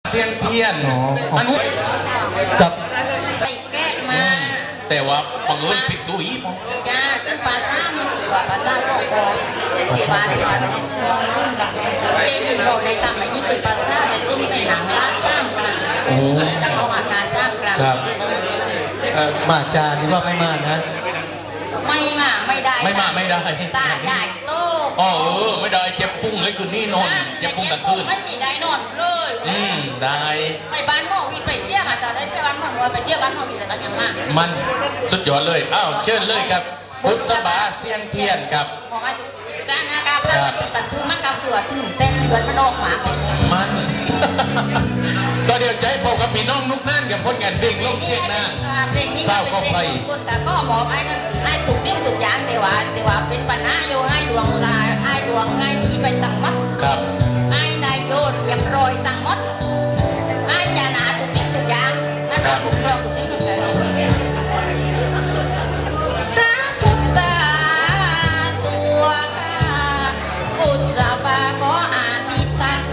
เซียนเทียนมันวุ้กับไปแก้มาแต่ว่าบังเอิญผิดตัวอีกจ้าตั้งปลาซ่ามันถือว่าปลาซ่าโลกบอลเทวาที่ว่ารุ่นกับเจนินบอกในตามมันนี่เป็นปลาซ่าแต่ตุ้มในหนังล้านตั้งกันจะเอาอาการจ้างกันครับมาจานี่ว่าไม่มานะไม่มาไม่ได้ไม่มาไม่ได้ตาใหญ่โตอ๋อไม่ได้เจ็บปุ้งเลยคืนนี้นอนเจ็บปุ้งกลางคืนไม่มีได้นอนเลยได้ไปบ้านหมอวิไปเที่ยวอาจจะได้ไปบ้านหมอไปเที่ยวบ้านหมอวิแต่ก็ยังมามันสุดยอดเลยอ้าวเชิญเลยครับพุทธบาเสียงเทียนครับบอกว่าจ้านะครับตัดพื้นมันกับสวดตื่นเต้นเหมือนมันออกหมามันก็เดี๋ยวใจพอกับพี่น้องนุกนั่นกับคนงานเพลงโลกเสียงนะเศร้าก็ไปคนแต่ก็บอกให้ถูกเรื่องถูกอย่างแต่ว่าเป็นปัญหาโยให้ดวงลายให้ดวงให้ที่ไปตั้งมัดครับให้นายโยนเรียบร้อยตั้งมัดให้จานาถูกเรื่องถูกอย่างให้เราถูกเรื่องถูกเรื่องถูกอย่างสาธุตาตัวปุจจาปาก็อาทิตา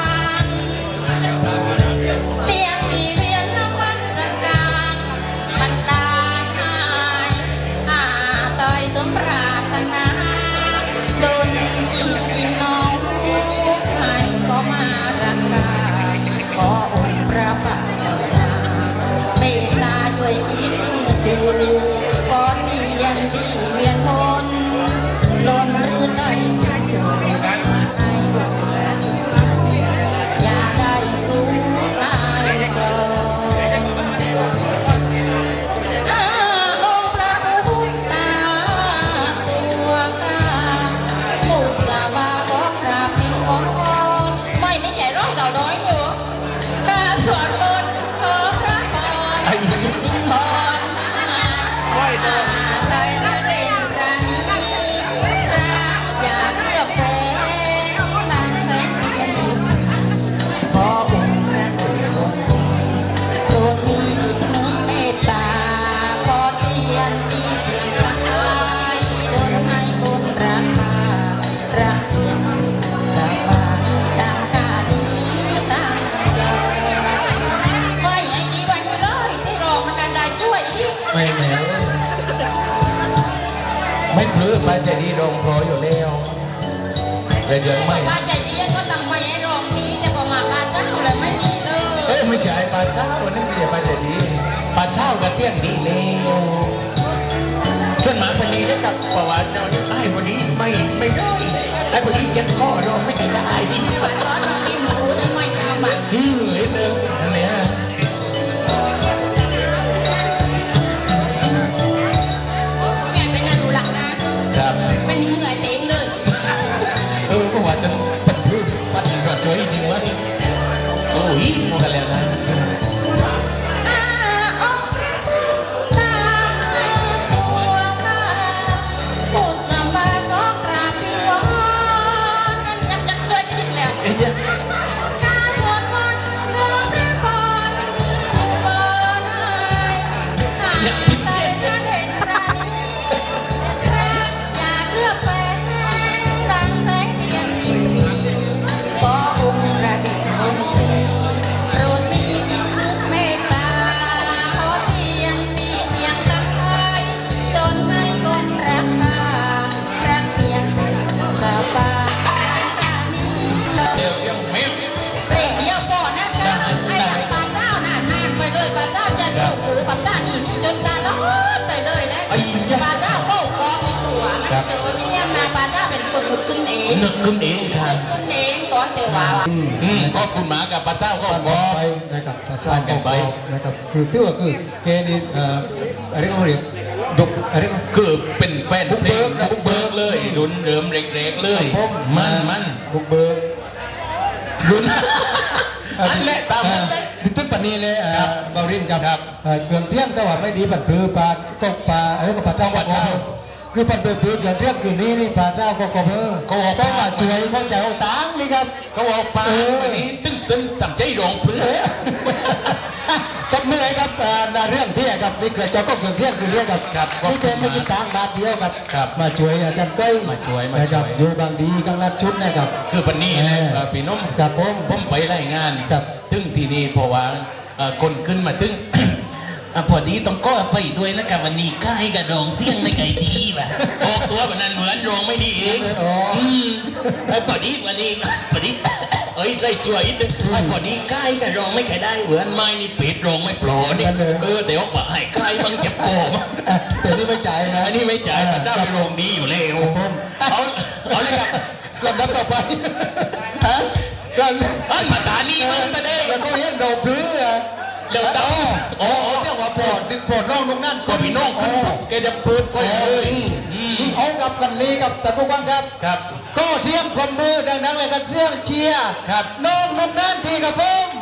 เตียงที่เรียนน้ำมันจักการมันตายหายตายสมปรารถนาโดนกินกินน้องให้ก็มารักกาขอองค์พระบาทเมตตาด้วยอินจูก่อนเรียนดีเวียนทนล้นหรือใดอย่าได้รู้ตายเกินองค์พระพุทธาตัวกาปุตตะวาก็กราบพิงอ้อนไม่ใหญ่ร้อยเก่าน้อยอยู่ข้าสวดมนต์ขอพระพรพิงพรใจละเด่นรานีรักอยากเลือกแฟนตั้งแสนเทียนขอองค์พระคุณโปรดมีจิตนึกเมตตาขอเทียนที่เสียงรักไว้โดนให้คนรักมารักเทียนรักมาดังกานี้ตั้งใจไว้ไอ้ดีไว้เลยได้รองมันกันได้ช่วยอีกไม่แหมไม่พลื้ไปใจดีรองพออยู่แล้วแต่เดี๋ยวไม่ป้าใจดีก็ตั้งไว้ให้รองดีแต่พอมาป้าเจ้าเลยไม่ดีเลยไม่ใช่ปลาเช้าวันนี้ไม่ใช่ปลาใจดีปลาเช้ากับเที่ยงดีแล้วชวนหมาพนีได้กับประวัติเราไอ้คนนี้ไม่ได้ไอ้คนนี้เจ็บคอเราไม่ได้ดีที่ว่าร้อนกินหมูทำไมดีมั้งเห็นเลยอันนี้เป็นอนุรักษ์นะครับเป็นเหนื่อยเต็มเลยก็ว่าจะปัดพื้นปัดกระเทยจริงวะโอ้ยพอกันแล้วนะนึกขึ้นเองครับขึ้นเองก่อนแต่ว่าก็คุณหมากับปลาเศร้าก็บอกไปนะครับปลาเศร้าก็บอกนะครับคือที่ว่าคือเกนี่อะไรก็เรียกดุอะไรก็คือเป็นแฟนบุกเบิกเลยลุ้นเดิมเร็กๆเลยมันบุกเบิกลุ้นอันแรกตามดิตึกปนีเลยบารินครับเครื่องเที่ยงแต่ว่าไม่ดีปัดพือปลาก็ปลาอะไรก็ปลาเจ้าปลาเจ้าคือปัดพือเครื่องเที่ยงคืนนี้นี่ปลาเจ้าก็กบเขาออกไปมาช่วยเขาแจวตังนี่ครับเขาออกปลาวันนี้ตึ้งทำใจรองเพื่อจับมือให้ครับเรื่องที่ครับนี่เกิดจากก็เกิดเรื่องคือเรื่องกับครับนี่เป็นไม่คิดตังค์บาทเดียวครับครับมาช่วยอาจารย์ก้อยมาช่วยนะครับอยู่บางดีกลางรัดชุดนะครับคือปันนี้นะพี่น้องครับผมผมไปรายงานครับถึงที่นี่เพราะว่าคนขึ้นมาถึง พอดีต้องก็ไปด้วยนะครับวันนี้ก็ให้กับรองเที่ยงในไก่ดีป่ะออกตัวแบบนั้นเหมือนรองไม่ดีเองอ๋อพอดีวันนี้พอดี เอ้ยได้ช่วยอีกนึงพอดีใกล้กับรองไม่เคยได้เหมือนไม่นี่ปิดรองไม่โปรนี่เดี๋ยวบอกให้ใกล้บังเก็บโกมแต่นี่ไม่จ่ายนะอันนี้ไม่จ่ายมันได้ไปโรงดีอยู่แล้วเอาเลยครับลำดับต่อไปฮะก็มาตานี่มันก็ได้แล้วก็เห็นเราพื้นเดี๋ยวต่อโอ้เรียกว่าปอดดึงปอดร่องตรงนั้นก็พี่น้องขึ้นแกจะเปิดก็เลยเอากับกันนี้กับท่านผู้ฟังครับครับก็เทียมคนมือดังๆเลยกันเสียงเชียร์ครับน้องนุ่มนั่นทีกับผม